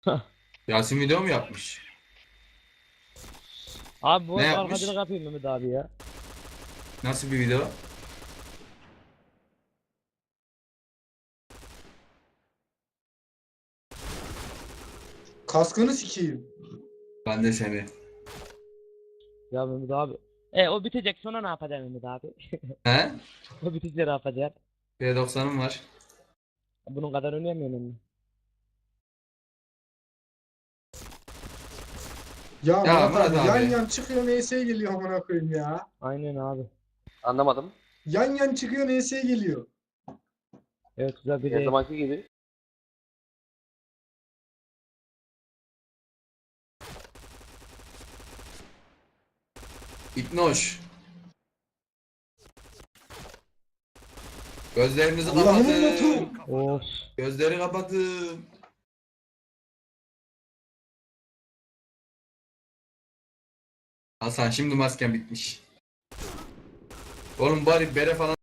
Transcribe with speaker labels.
Speaker 1: Yasin video mu yapmış?
Speaker 2: Abi bu
Speaker 1: Ne
Speaker 2: arkadaşlık
Speaker 1: yapmış?
Speaker 2: yapayım Mehmet abi ya.
Speaker 1: Nasıl bir video?
Speaker 3: Kaskını sikeyim.
Speaker 1: Ben de seni.
Speaker 2: Ya Mehmet abi. O bitecek sonra ne yapacaksın Mehmet abi?
Speaker 1: He?
Speaker 2: O bitince ne yapacaksın?
Speaker 1: P90'ım var.
Speaker 2: Bunun kadar oynayamıyorum ben.
Speaker 3: Ya
Speaker 1: Ya
Speaker 3: Murat
Speaker 1: Murat
Speaker 3: abi yan
Speaker 1: abi.
Speaker 3: yan çıkıyor NS'ye geliyor amına koyayım ya.
Speaker 2: Aynen abi.
Speaker 4: Anlamadım.
Speaker 3: Yan yan çıkıyor NS'ye geliyor.
Speaker 2: Evet güzel bir
Speaker 4: Her
Speaker 2: de.
Speaker 4: zamanki gibi.
Speaker 1: İknoş. Gözlerinizi
Speaker 3: Allah'ımın
Speaker 1: kapatın.
Speaker 3: notu.
Speaker 2: Of.
Speaker 1: Gözleri kapatın. Hasan şimdi masken bitmiş. Oğlum bari bere falan